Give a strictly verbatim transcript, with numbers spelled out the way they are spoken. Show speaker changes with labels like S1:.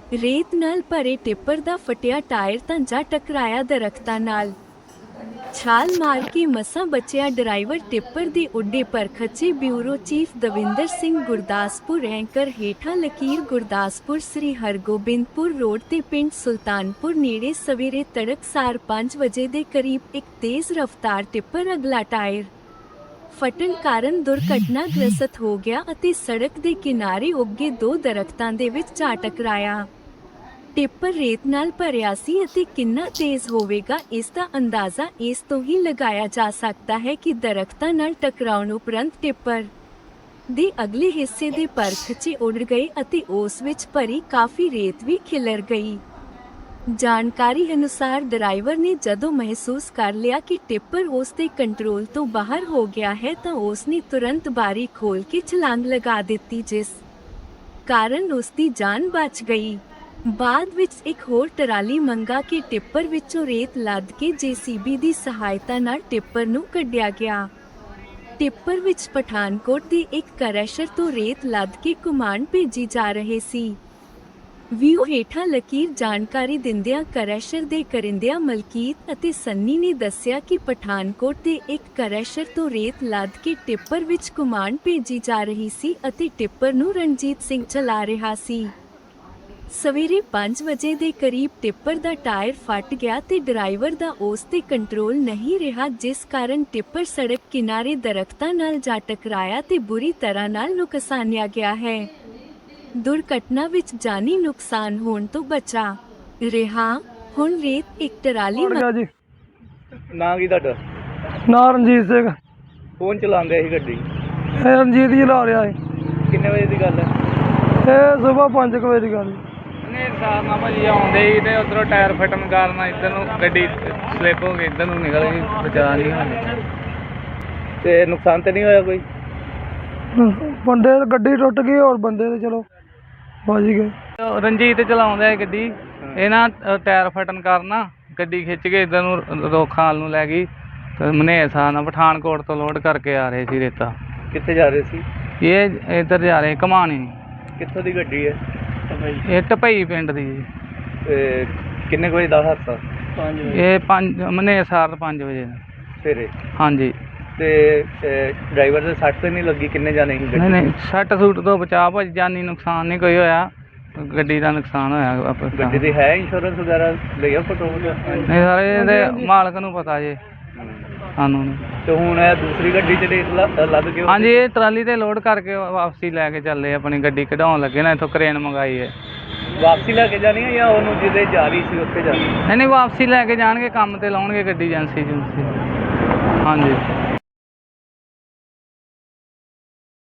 S1: ਰੇਤ ਨਾਲ ਭਰੇ ਟਿੱਪਰ ਦਾ ਫਟਿਆ ਟਾਇਰ ਤਾਂ ਜਾ ਟਕਰਾਇਆ ਦਰਖਤਾਂ ਨਾਲ। ਛਾਲ ਮਾਰ ਕੇ ਮਸਾਂ ਬਚਿਆ ਡਰਾਈਵਰ। ਟਿੱਪਰ ਦੀ ਉੱਡੇ ਪਰ ਖੱਚੇ। Bureau chief Davinder Singh Gurdaspur. Anchor ਹੇਠਾਂ ਲਕੀਰ ਗੁਰਦਾਸਪੁਰ। ਸ੍ਰੀ ਹਰਗੋਬਿੰਦਪੁਰ ਰੋਡ ਤੇ ਪਿੰਡ ਸੁਲਤਾਨਪੁਰ ਨੇੜੇ ਸਵੇਰੇ ਤੜਕਸਾਰ ਪੰਜ ਵਜੇ ਦੇ ਕਰੀਬ ਇੱਕ ਤੇਜ਼ ਰਫ਼ਤਾਰ ਟਿੱਪਰ ਅਗਲਾ ਟਾਇਰ ਫਟਣ ਕਾਰਨ ਦੁਰਘਟਨਾਗ੍ਰਸਤ ਹੋ ਗਿਆ ਅਤੇ ਸੜਕ ਦੇ ਕਿਨਾਰੇ ਉੱਗੇ ਦੋ ਦਰਖਤਾਂ ਦੇ ਵਿੱਚ ਜਾ ਟਕਰਾਇਆ। ਟਿੱਪਰ ਰੇਤ ਨਾਲ ਭਰਿਆ ਸੀ ਅਤੇ ਕਿੰਨਾ ਤੇਜ਼ ਹੋਵੇਗਾ ਇਸ ਦਾ ਅੰਦਾਜ਼ਾ ਇਸ ਤੋਂ ਹੀ ਲਗਾਇਆ ਜਾ ਸਕਦਾ ਹੈ ਕਿ ਦਰਖਤਾਂ ਨਾਲ ਟਕਰਾਉਣ ਉਪਰੰਤ ਟਿੱਪਰ ਦੇ ਅਗਲੇ ਹਿੱਸੇ ਦੇ ਪਰ ਖਿੱਚੇ ਉੱਡ ਗਏ ਅਤੇ ਉਸ ਵਿੱਚ ਭਰੀ ਕਾਫੀ ਰੇਤ ਵੀ ਖਿਲਰ ਗਈ। ਜਾਣਕਾਰੀ ਅਨੁਸਾਰ ਡਰਾਈਵਰ ਨੇ ਜਦੋਂ ਮਹਿਸੂਸ ਕਰ ਲਿਆ ਕਿ ਟਿੱਪਰ ਉਸ ਦੇ ਕੰਟਰੋਲ ਤੋਂ ਬਾਹਰ ਹੋ ਗਿਆ ਹੈ ਤਾਂ ਉਸ ਨੇ ਤੁਰੰਤ ਬਾਰੀ ਖੋਲ੍ਹ ਕੇ ਛਲਾਂਗ ਲਗਾ ਦਿੱਤੀ, ਜਿਸ ਕਾਰਨ ਉਸ ਦੀ ਜਾਨ ਬਚ ਗਈ। ਬਾਅਦ ਵਿੱਚ ਇੱਕ ਹੋਰ ਟਰਾਲੀ ਮੰਗਾ ਕੇ ਟਿੱਪਰ ਵਿੱਚੋਂ ਰੇਤ ਲੱਦ ਕੇ ਜੇਸੀਬੀ ਦੀ ਸਹਾਇਤਾ ਨਾਲ ਟਿੱਪਰ ਨੂੰ ਕੱਢਿਆ ਗਿਆ। ਟਿੱਪਰ ਵਿੱਚ ਪਠਾਨਕੋਟ ਦੀ ਇੱਕ ਕਰੈਸ਼ਰ ਤੋਂ ਰੇਤ ਲੱਦ ਕੇ ਕੁਮਾਨ ਭੇਜੀ ਜਾ ਰਹੇ ਸੀ। ਵੀਓ ਹੇਠਾਂ ਲਕੀਰ। ਜਾਣਕਾਰੀ ਦਿੰਦਿਆਂ ਕਰੈਸ਼ਰ ਦੇ ਕਰਿੰਦਿਆਂ ਮਲਕੀਤ ਅਤੇ ਸੰਨੀ ਨੇ ਦੱਸਿਆ ਕਿ ਪਠਾਨਕੋਟ ਦੇ ਇੱਕ ਕਰੈਸ਼ਰ ਤੋਂ ਰੇਤ ਲੱਦ ਕੇ ਟਿੱਪਰ ਵਿੱਚ ਕੁਮਾਨ ਭੇਜੀ ਜਾ ਰਹੀ ਸੀ ਅਤੇ ਟਿੱਪਰ ਨੂੰ ਰਣਜੀਤ ਸਿੰਘ ਚਲਾ ਰਿਹਾ ਸੀ। ਸਵੇਰੇ ਪੰਜ ਵਜੇ ਦੇ ਕਰੀਬ ਟਿੱਪਰ ਦਾ ਟਾਇਰ ਫਟ ਗਿਆ ਤੇ ਡਰਾਈਵਰ ਦਾ ਉਸ ਤੇ ਕੰਟਰੋਲ ਨਹੀਂ ਰਿਹਾ, ਜਿਸ ਕਾਰਨ ਟਿੱਪਰ ਸੜਕ ਕਿਨਾਰੇ ਦਰਖਤਾਂ ਨਾਲ ਜਾ ਟਕਰਾਇਆ ਤੇ ਬੁਰੀ ਤਰ੍ਹਾਂ ਨਾਲ ਨੁਕਸਾਨਿਆ ਗਿਆ ਹੈ। ਦੁਰਘਟਨਾ ਵਿੱਚ ਜਾਨੀ ਨੁਕਸਾਨ ਹੋਣ ਤੋਂ ਬਚਾ ਰਿਹਾ। ਹੁਣ ਰੇਤ ਇੱਕ ਟਰਾਲੀ
S2: ਜੀ।
S3: ਨਾਂ ਕੀ ਤੁਹਾਡਾ?
S2: ਨਾਂ ਰਣਜੀਤ ਸਿੰਘ।
S3: ਕੌਣ ਚਲਾਉਂਦੇ ਸੀ ਗੱਡੀ?
S2: ਇਹ ਰਣਜੀਤ ਜੀ ਲਾ ਰਿਹਾ ਹੈ।
S3: ਕਿੰਨੇ ਵਜੇ ਦੀ ਗੱਲ ਹੈ?
S2: ਇਹ ਸਵੇਰ ਪੰਜ ਕੁ ਵਜੇ ਦੀ ਗੱਲ ਹੈ।
S4: ਨੇ ਸਾਹ ਨਾਲ ਭਾਜੀ ਆਉਂਦੇ ਸੀ ਤੇ ਉਧਰੋਂ ਟਾਇਰ ਫਟਣ ਕਾਰਨ ਇੱਧਰ ਨੂੰ ਗੱਡੀ ਸਲਿੱਪ ਹੋ ਗਈ, ਇੱਧਰ ਨੂੰ ਨਿਕਲ ਗਈ, ਬਚਾ ਨਹੀਂ ਹੋਇਆ।
S3: ਤੇ ਨੁਕਸਾਨ ਤੇ ਨਹੀਂ ਹੋਇਆ ਕੋਈ?
S2: ਬੰਦੇ ਗੱਡੀ ਟੁੱਟ ਗਈ, ਹੋਰ ਬੰਦੇ ਤੇ ਚਲੋ ਬਚ ਗਏ।
S4: ਰਣਜੀਤ ਚਲਾਉਂਦਾ ਗੱਡੀ, ਇਹ ਨਾ ਟਾਇਰ ਫਟਣ ਕਾਰਨ ਗੱਡੀ ਖਿੱਚ ਕੇ ਇੱਧਰ ਨੂੰ ਰੋਖਾਂ ਨੂੰ ਲੈ ਗਈ ਤੇ ਮਨੇਰ ਸਾਹ ਨਾਲ ਪਠਾਨਕੋਟ ਤੋਂ ਲੋਡ ਕਰਕੇ ਆ ਰਹੇ ਸੀ ਰੇਤਾ।
S3: ਕਿੱਥੇ ਜਾ ਰਹੇ ਸੀ?
S4: ਇਹ ਇੱਧਰ ਜਾ ਰਹੇ ਘਮਾਣੀ।
S3: ਕਿੱਥੋਂ ਦੀ ਗੱਡੀ ਹੈ?
S4: ਇਹ ਟਪਈ ਪਿੰਡ ਦੀ ਜੀ।
S3: ਤੇ ਕਿੰਨੇ ਕੁ ਵਜੇ ਦਾ ਹਾਦਸਾ?
S4: ਇਹ ਪੰਜ ਮਨੇਰ ਸਾਰ ਪੰਜ ਵਜੇ
S3: ਸਵੇਰੇ।
S4: ਹਾਂਜੀ।
S3: ਤੇ ਡਰਾਈਵਰ ਦੇ ਸੱਟ ਤੇ ਨਹੀਂ ਲੱਗੀ? ਕਿੰਨੇ ਜਾਣੇ ਸੀ ਗੱਡੀ?
S4: ਨਹੀਂ ਨਹੀਂ, ਸੱਟ ਸੂਟ ਤੋਂ ਬਚਾ ਭਾਜੀ, ਜਾਨੀ ਨੁਕਸਾਨ ਨਹੀਂ ਕੋਈ ਹੋਇਆ, ਗੱਡੀ ਦਾ ਨੁਕਸਾਨ ਹੋਇਆ।
S3: ਗੱਡੀ ਦੀ ਹੈ ਇੰਸ਼ੋਰੈਂਸ ਵਗੈਰਾ ਲਿਆ ਫੋਟੋ?
S4: ਨਹੀਂ ਸਾਰੇ ਇਹਦੇ ਮਾਲਕ ਨੂੰ ਪਤਾ ਜੇ, ਸਾਨੂੰ ਨਹੀਂ।
S3: ਤੇ ਹੁਣ ਇਹ ਦੂਸਰੀ ਗੱਡੀ ਚ ਰੇਤ ਲੱਦ ਕੇ?
S4: ਹਾਂਜੀ, ਇਹ ਟਰਾਲੀ ਤੇ ਲੋਡ ਕਰਕੇ ਵਾਪਸੀ ਲੈ ਕੇ ਚੱਲੇ, ਆਪਣੀ ਗੱਡੀ ਕਢਾਉਣ ਲੱਗੇ ਨਾ, ਇੱਥੋਂ ਕਰੇਨ ਮੰਗਾਈ ਹੈ।
S3: ਵਾਪਸੀ ਲੈ ਕੇ ਜਾਣੀ ਹੈ ਜਾਂ ਉਹਨੂੰ ਜਿਹਦੇ ਜਾ ਰਹੀ ਸੀ ਉੱਥੇ ਜਾਣੀ?
S4: ਨਹੀਂ ਨਹੀਂ, ਵਾਪਸੀ ਲੈ ਕੇ ਜਾਣਗੇ, ਕੰਮ ਤੇ ਲਾਉਣਗੇ ਗੱਡੀ ਏਜੰਸੀ ਏਜੰਸੀ। ਹਾਂਜੀ।